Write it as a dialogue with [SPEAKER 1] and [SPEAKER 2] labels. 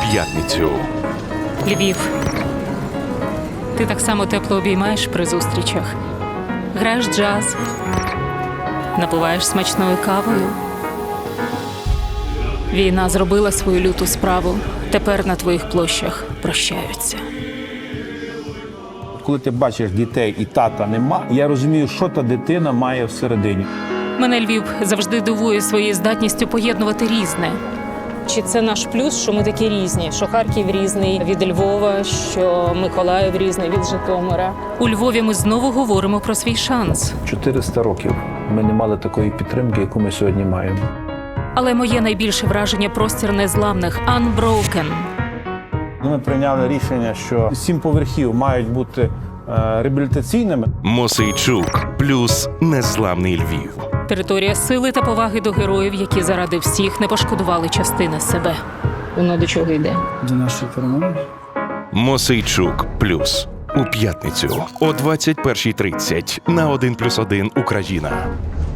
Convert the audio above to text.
[SPEAKER 1] п'ятницю.
[SPEAKER 2] Львів. Ти так само тепло обіймаєш при зустрічах. Граєш джаз, напиваєш смачною кавою. Війна зробила свою люту справу. Тепер на твоїх площах прощаються.
[SPEAKER 3] Коли ти бачиш дітей і тата нема, я розумію, що та дитина має всередині.
[SPEAKER 2] Мене Львів завжди дивує своєю здатністю поєднувати різне. Чи це наш плюс, що ми такі різні? Що Харків різний від Львова, що Миколаїв різний від Житомира. У Львові ми знову говоримо про свій шанс.
[SPEAKER 3] 400 років ми не мали такої підтримки, яку ми сьогодні маємо.
[SPEAKER 2] Але моє найбільше враження – простір незламних – Unbroken.
[SPEAKER 3] Ми прийняли рішення, що 7 поверхів мають бути реабілітаційними.
[SPEAKER 1] Мосейчук плюс незламний Львів.
[SPEAKER 2] Територія сили та поваги до героїв, які заради всіх не пошкодували частини себе. Воно до чого йде?
[SPEAKER 4] До нашої перемоги.
[SPEAKER 1] Мосейчук плюс у п'ятницю о 21:30 на 1+1 Україна.